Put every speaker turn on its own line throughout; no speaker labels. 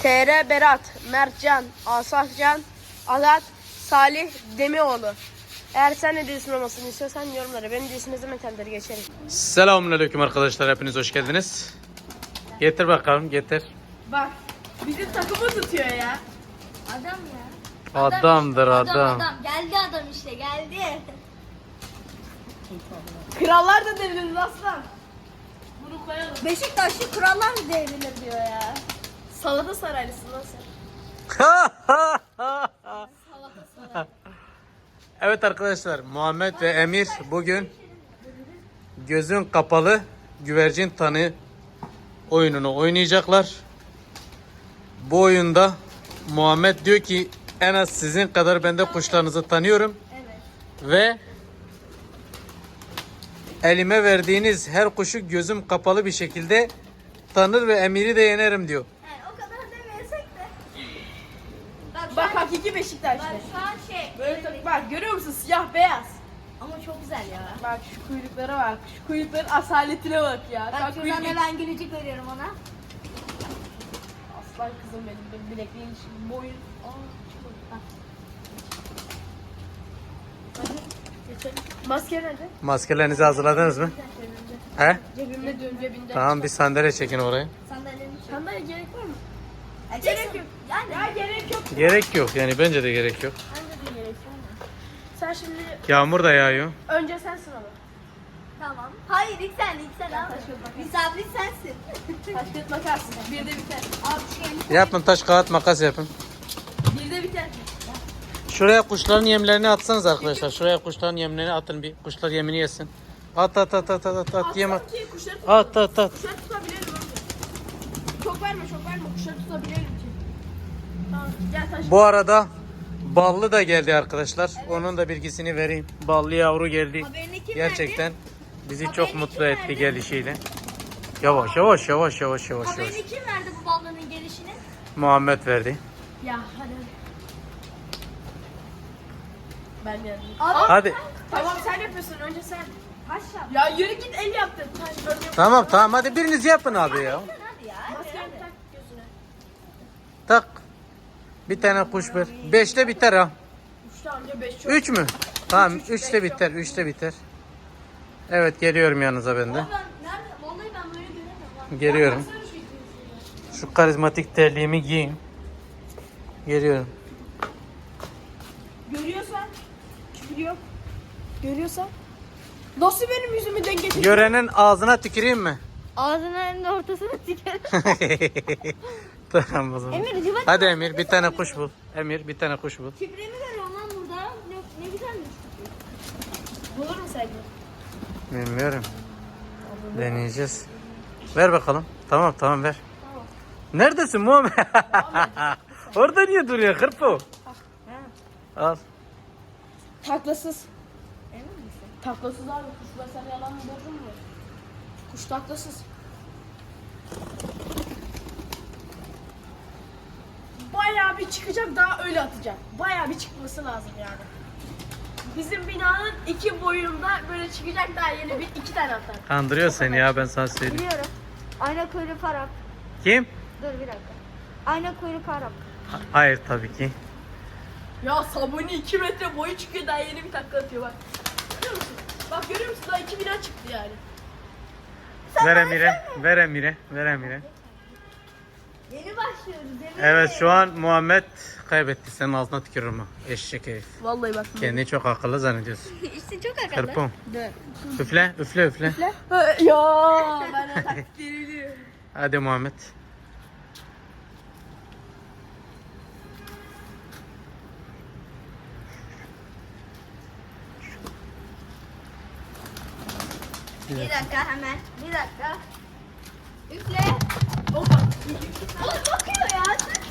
TR Berat, Mertcan, Asafcan, Azat, Salih Demioğlu. Eğer sen ne diyorsun olmasını istiyorsan yorumlara. Benim diyorsun ne zaman kendileri geçelim.
Selamünaleyküm arkadaşlar, hepiniz hoş geldiniz. Getir bakalım, getir.
Bak bizim takımı tutuyor ya.
Adam ya.
Adamdır adam.
Geldi adam işte geldi.
Krallar da devrilir aslan. Bunu koyalım.
Beşiktaşlı krallar mı devrilir diyor ya.
Salata saraylısın lan sen.
Evet arkadaşlar, Muhammed ve Emir bugün gözün kapalı güvercin tanı oyununu oynayacaklar. Bu oyunda Muhammed diyor ki en az sizin kadar ben de kuşlarınızı tanıyorum.
Evet.
Ve elime verdiğiniz her kuşu gözüm kapalı bir şekilde tanır ve Emir'i de yenerim diyor.
Yani o kadar demeyesek de.
Bak hakiki Beşiktaşlı.
Bak şu an
Böyle bak görüyor musun siyah beyaz.
Ama çok güzel ya.
Bak şu kuyruklara bak. Şu kuyrukların asaletine bak ya.
Bak şuradan
kuyruk-
hemen gülücük veriyorum ona.
Aslan kızım benim bilekliğin boyun. Hadi geçelim. Maske nerede?
Maskelerinizi hazırladınız mı? He?
Cebimde diyorum cebinde.
Tamam, bir sandalye çekin oraya.
Sandalyeni çek.
Sandalye gerek var mı?
Gerek yok. Yani.
Ya gerek yok.
Gerek yok, yani bence de gerek yok.
Bence de gerek yok. Sen şimdi
Yağmur da yağıyor.
önce sensin ama.
Tamam. Hayır ilk sen abi. Misafir sensin.
Taş kağıt makas. Bir de biter.
Abi şu
Yapın, taş kağıt makas yapın.
Bir de biter.
Şuraya kuşların yemlerini atsanız arkadaşlar. Şuraya kuşların yemlerini atın, bir kuşlar yemini yesin. At yem at.
Ki kuşları tut.
At.
Kuşları tutabilelim önce. Çok verme kuşları tutabilelim ki. Tamam gel taş.
Bu arada ballı da geldi arkadaşlar. Onun da bilgisini vereyim. Ballı yavru geldi.
Haberini kim
Gerçekten bizi çok
Haberini
mutlu
kim
etti
verdi?
gelişiyle. Yavaş.
Haberini kim verdi bu balonun gelişini?
Muhammed verdi.
Ya hadi. Ben geldim.
Abi.
Hadi.
Tamam sen yapıyorsun önce sen.
Taş yap.
Ya yürü git el yaptın. Taş örneğin.
Tamam hadi biriniz yapın abi ya.
Hadi ya.
Maskeni tak gözüne.
Tak. Bir tane kuş ver. 5'te biter ha.
3 tane 5 çok.
3 mü? Tamam, 3'te biter. 3'te biter. Evet, geliyorum yanınıza ben de.
Abi ben nerede? Vallahi ben böyle göremiyorum. Bak.
Geliyorum. Şu karizmatik terliğimi giyeyim. Geliyorum.
Görüyorsan. Küfür yok. Görüyorsan. Nasıl benim yüzümü denk getirdin?
Görenin ağzına tüküreyim mi?
Ağzının en ortasına tikerim.
Tamam o zaman.
Emir cıvat.
Hadi Emir, bir tane kuş bul. Emir, bir tane kuş bul.
Küpremi veriyorum lan burada. Ne güzelmiş.
Bulur mu sence?
Bilmiyorum. Deneyeceğiz. Ver bakalım. Tamam ver. Neredesin Muhammed? Orada niye duruyor hırpo? Al.
Taklasız.
Emin misin?
Taklasız abi. Kuş mesela yalan mı bozdun mu? Kuş taklasız. Bayağı bir çıkacak daha öyle atacak. Bayağı bir çıkması lazım yani. Bizim binanın 2 boyunda böyle çıkacak daha yeni bir 2 tane atar.
Kandırıyor seni ya, ben sana söyleyeyim.
Biliyorum. Ayna kuyruk Arap.
Kim?
Dur bir dakika. Ayna kuyruk Arap.
Hayır tabii ki.
Ya sabuni 2 metre boyu çıkıyor daha yeni bir takla atıyor bak. Görüyor musun? Bak görüyor musun daha 2 bina çıktı yani.
Ver Emir'e.
Yeni başlıyoruz. Emir.
Evet, şu an Muhammed kaybetti. Senin ağzına tükürürüm ha. Eşek herif.
Vallahi bak.
Kendini çok akıllı zannediyorsun.
İşte çok akıllı.
Kırpım.
Dur.
Üfle.
Ya ben de taktiğini biliyorum.
Hadi Muhammed.
Bir dakika hemen. Bir dakika. Üfle.
Hoppa.
Oğlum bakıyor ya.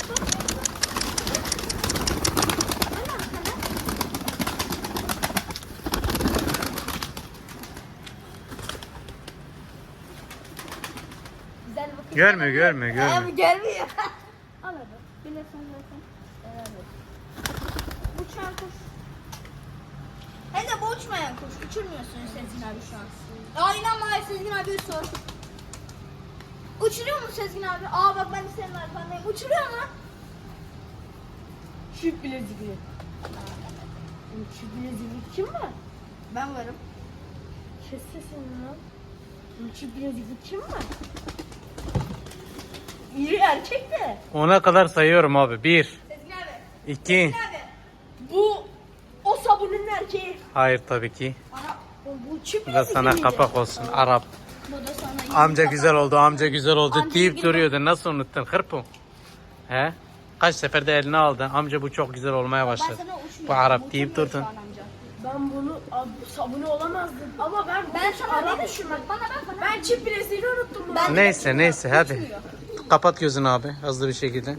Güzel bakıyor.
Görmüyor.
Abi gelmiyor. Al hadi. Bir de sen zaten. Evet. Uçan kuş. Hem de bu uçmayan kuş. Uçurmuyorsun Sezgin abi şu an. Aynen var Sezgin abi sor. Uçuruyor mu Sezgin abi? Aa bak ben de senin arkandan Uçuruyor mu?
Çift bilezikli. Çift bilezikli kim var?
Ben varım.
Kes sesini lan. Çift bilezikli kim var? İri erkek de.
10'a kadar sayıyorum abi. 1,
Sezgin abi.
2.
Sezgin abi.
Bu o sabunun erkeği.
Hayır tabii ki.
Arap.
Bu çift
Bu da
bilezikli
sana
miydi?
kapak olsun. Arap.
Bu da sana iyi
Amca
kapak.
güzel oldu, amca güzel oldu
Amca
deyip
güzel.
duruyordu. Nasıl unuttun hırpım? He? Kaç seferde eline aldın. Amca bu çok güzel olmaya
Ben
başladı.
sana uçmuyorum.
Bu Arap deyip
Uçamıyor
durdun.
şu an amca.
Ben bunu abi, sabunu olamazdım. Ama
Ben sana
Arap
dedim.
düşünmem.
Bana bak bana.
Ben çift bilezikli unuttum bunu.
Ben-
Neyse neyse hadi.
Uçmuyor.
Kapat gözünü abi hızlı bir şekilde.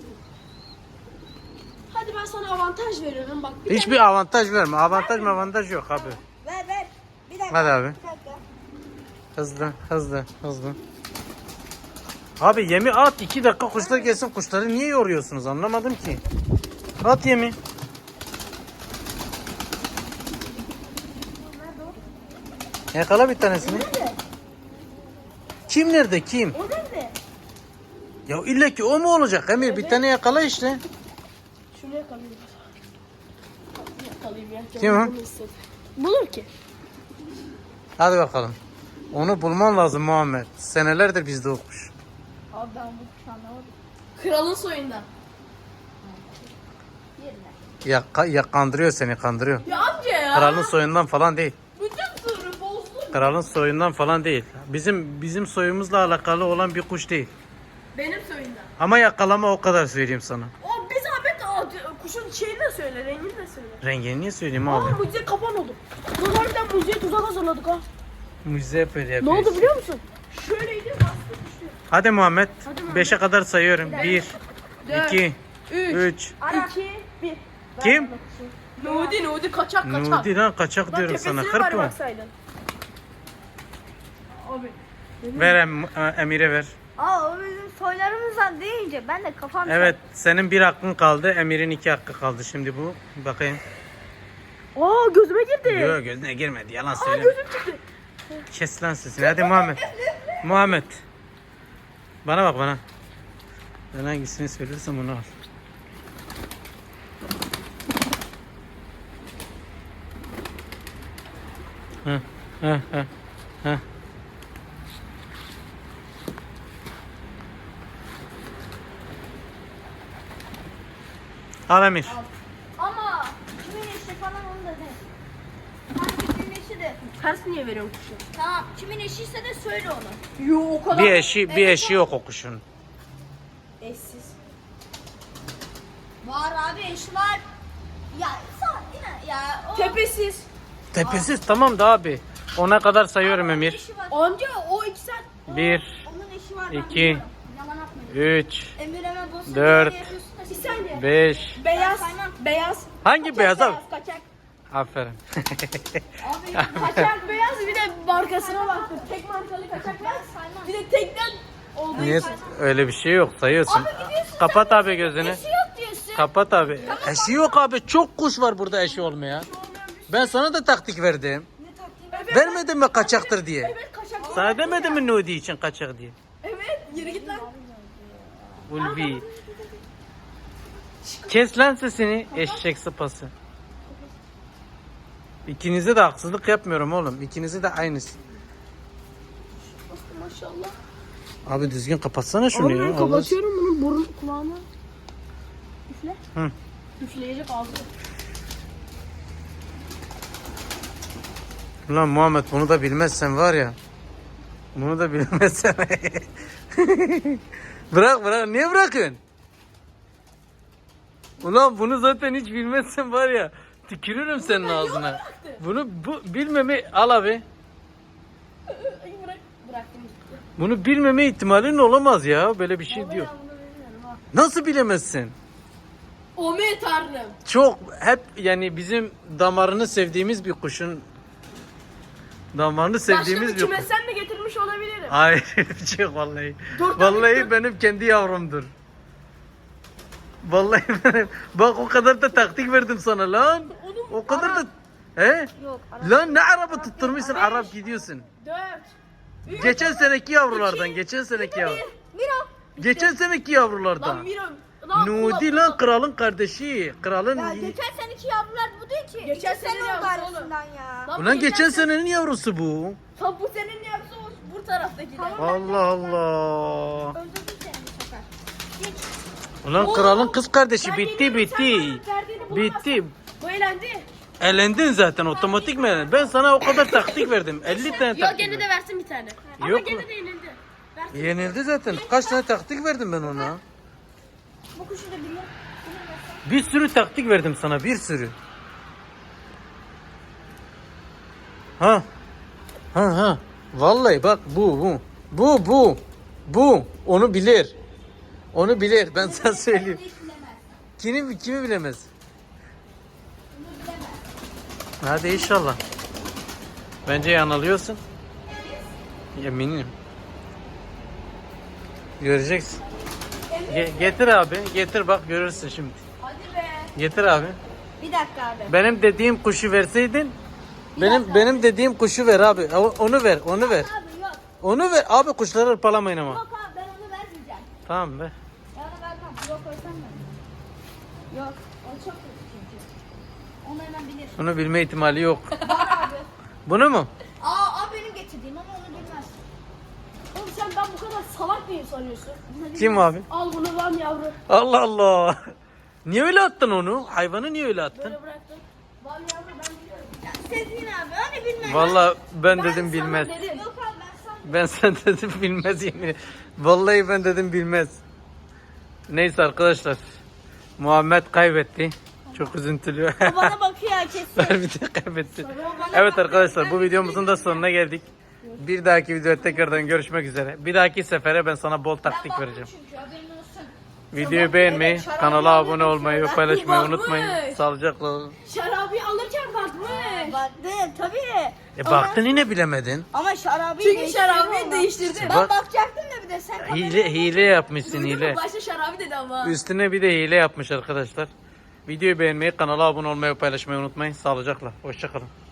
Hadi ben sana avantaj veriyorum bak.
Hiçbir avantaj verme. Avantaj yok abi.
Ver. Bir dakika.
Hadi abi.
Bir dakika.
Hızlı. Abi yemi at 2 dakika kuşlar gelsin. Kuşları niye yoruyorsunuz anlamadım ki. At yemi. Yakala bir tanesini.
Nerede?
Kim nerede kim?
O nerede?
Ya illa ki o mu olacak Emir? Bir tane yakala işte.
Şunu yakalayayım. Yakalayayım ya.
Kim o?
Bunu istedi. Bulur ki.
Hadi bakalım. Onu bulman lazım Muhammed. Senelerdir bizde o kuş.
Abi ben bu kuşu anlamadım.
Kralın soyundan.
Yerine.
Ya kandırıyor seni kandırıyor.
Ya amca ya.
Kralın soyundan falan değil.
Bütün sırrı bozdu.
Kralın soyundan falan değil. Bizim soyumuzla alakalı olan bir kuş değil.
Benim soyundan.
Ama yakalama o kadar söyleyeyim sana.
O bir zahmet kuşun şeyini de söyle, rengini de söyle.
Rengini niye söyleyeyim
Aa
abi?
mucize kapan oldu. Biz harbiden mucizeye tuzak hazırladık ha.
Mucize böyle
Ne
yapıyor.
oldu biliyor musun? Şöyleydi bastı düştü.
Hadi Muhammed.
Hadi Muhammed.
5'e kadar sayıyorum. 1, 2, 3.
2, 1.
Kim?
Nudi kaçak.
Nudi lan kaçak
Bak
diyorum sana.
tepesine var
Hırpı.
baksaydın. Abi.
Ver Emir'e ver.
Aa o bizim soylarımızdan deyince ben de kafam
Evet senin bir hakkın kaldı. Emir'in 2 hakkı kaldı. Şimdi bu. Bakayım.
Aa gözüme girdi.
Yok gözüne girmedi. Yalan
Aa
söyleme.
gözüm çıktı.
Kes lan sesini. Hadi Muhammed. Muhammed. Bana bak bana. Ben hangisini söylersem onu al. Heh. Al Emir.
Ama kimin eşi falan onu da de. Hangi kimin eşi de.
Ters niye veriyorsun kuşu?
Tamam kimin eşiyse de söyle onu.
Yo o kadar.
Bir eşi yok o kuşun.
Eşsiz.
Var abi eşi var. Ya sağ yine ya. O
Tepesiz.
Tepesiz tamam da abi. Ona kadar sayıyorum Emir.
eşi var.
Amca o iki saat.
1,
Onun eşi var.
2,
biliyorum. Yalan atmayın.
3,
Emir hemen bozsun.
4,
diye yapıyorsun da
Bir
siz-
saniye.
5.
Beyaz.
saymam.
Beyaz.
Hangi beyaz abi?
Kaçak.
Aferin.
Abi
Kaçak beyaz bir de markasına baktım. Tek markalı kaçak beyaz.
saymam.
Bir de tekten olduğu
Niye
için.
öyle bir şey yok sayıyorsun.
gidiyorsun
Kapat abi gözünü.
Eşi yok diyorsun.
Kapat abi. Eşi yok abi. Çok kuş var burada eşi olmaya. Ben sana da taktik verdim.
Ne taktiği
Evet,
Vermedim mi kaçaktır diye.
Evet kaçak.
Sana demedim mi Nudi için kaçak diye.
Evet yürü git lan.
Ulvi. Kes lan sesini eşek sıpası. İkinize de haksızlık yapmıyorum oğlum. İkinize de aynısı.
Maşallah.
Abi düzgün kapatsana şunu
Abi
ya.
ben
Allah-
kapatıyorum bunun burun kulağına. Üfle.
Hı.
Üfleyecek ağzını.
Ulan Muhammed bunu da bilmezsen var ya. Bunu da bilmezsen. Bırak. Niye bırakıyorsun? Ulan bunu zaten hiç bilmezsen var ya. Tükürürüm senin ağzına. Bunu bilmeme al abi.
Ay bıraktım.
Bunu bilmeme ihtimalin olamaz ya. Böyle bir şey diyor.
Ben bunu bilmiyorum ha.
Nasıl bilemezsin?
Ome tanrım.
Çok hep yani bizim damarını sevdiğimiz bir kuşun damarını sevdiğimiz
Başka bir
bir kuş.
kümesten de getirmiş olabilirim.
Hayır bir şey yok vallahi.
Dur, tabii,
Vallahi
dur.
benim kendi yavrumdur. Vallahi benim. Bak o kadar da taktik verdim sana lan.
Oğlum,
O kadar
Arap.
da. He?
Yok. Arap.
Lan ne araba tutturmuşsun
Beş.
Arap gidiyorsun.
4.
Geçen seneki yavrulardan geçen seneki yavru.
Miro.
Geçen seneki yavrulardan.
Lan Miro. Lan
Nudi
ulan,
lan kralın kardeşi. Kralın...
Ya geçen seneki yavrular bu değil ki.
Geçen
İki sene
sene
oldu
yavrusu
arasından ya.
Lan
Ulan
bu
geçen senenin yavrusu bu.
Tam bu senin yapısı bu taraftaki de.
Allah Allah.
Öldürdüm seni bu sefer. Geç.
Ulan kralın kız kardeşi
Ben
bitti
geliyorum, sen
bitti.
bana verdiğini bulamazsın.
Bitti.
Bu eğlendi.
Elendin zaten otomatik mi? Ben sana o kadar taktik verdim. 50 tane
Yok
taktik
gene
verdim.
de versin bir tane. Ama
Yok
gene
mu?
de yenildi. Versin.
Yenildi zaten. Kaç tane taktik verdim ben ona?
Bu kuşu da biliyor.
Bir sürü taktik verdim sana, bir sürü. Ha. Ha. Vallahi bak bu. Bu. Onu bilir. Onu bilir. Ben sana söyleyeyim.
Hiç bilemez.
Kimi bilemez?
Bunu bilemez.
Hadi inşallah. Bence yanılıyorsun. Eminim. Göreceksin. Getir abi. Getir bak görürsün şimdi.
Hadi be.
Getir abi.
Bir dakika abi.
Benim dediğim kuşu verseydin. Benim dediğim kuşu ver abi. Onu ver.
Abi yok.
Onu ver. Abi kuşları hırpalamayın ama.
Yok abi ben onu vermeyeceğim.
Tamam be.
Ben onu vermem. Yok koysam ben. Yok. O çok kötü çünkü. Onu hemen bilir.
Bunu bilme ihtimali yok.
Var abi.
Bunu mu?
Aa benim getirdiğim ama onu bilmez.
Oğlum sen ben bu kadar salak mıyım sanıyorsun?
Kim abi?
Al bunu lan yavru.
Allah Allah. Niye öyle attın onu? Hayvanı niye öyle attın?
Böyle bıraktım. Lan yavru ben biliyorum.
Ya Sezgin abi hani bilmez.
Vallahi ben
Ben
dedim
sana
bilmez.
dedim.
Yok abi ben sanmıyorum.
Ben sen dedim bilmez yemin. Vallahi ben dedim bilmez. Neyse arkadaşlar. Muhammed kaybetti. Çok üzüntülü.
O bana bakıyor kesin.
Harbiden kaybetti. Evet arkadaşlar bu videomuzun da sonuna geldik. Bir dahaki videoda tekrardan görüşmek üzere. Bir dahaki sefere ben sana bol taktik vereceğim.
Çünkü haberin olsun.
Videoyu beğenmeyi, kanala abone olmayı ve paylaşmayı
Bakmış.
unutmayın. Sağlıcakla olun.
Şarabı alırken bakmış.
Baktım tabii.
Baktın yine bilemedin.
Ama şarabı
Çünkü şarabı değiştirdi.
Ben
Bak.
bakacaktım da bir de sen
Hile yapmışsın
Duydun
hile.
mu? Başta şarabı dedi ama.
Üstüne bir de hile yapmış arkadaşlar. Videoyu beğenmeyi, kanala abone olmayı ve paylaşmayı unutmayın. Sağlıcakla. Hoşçakalın.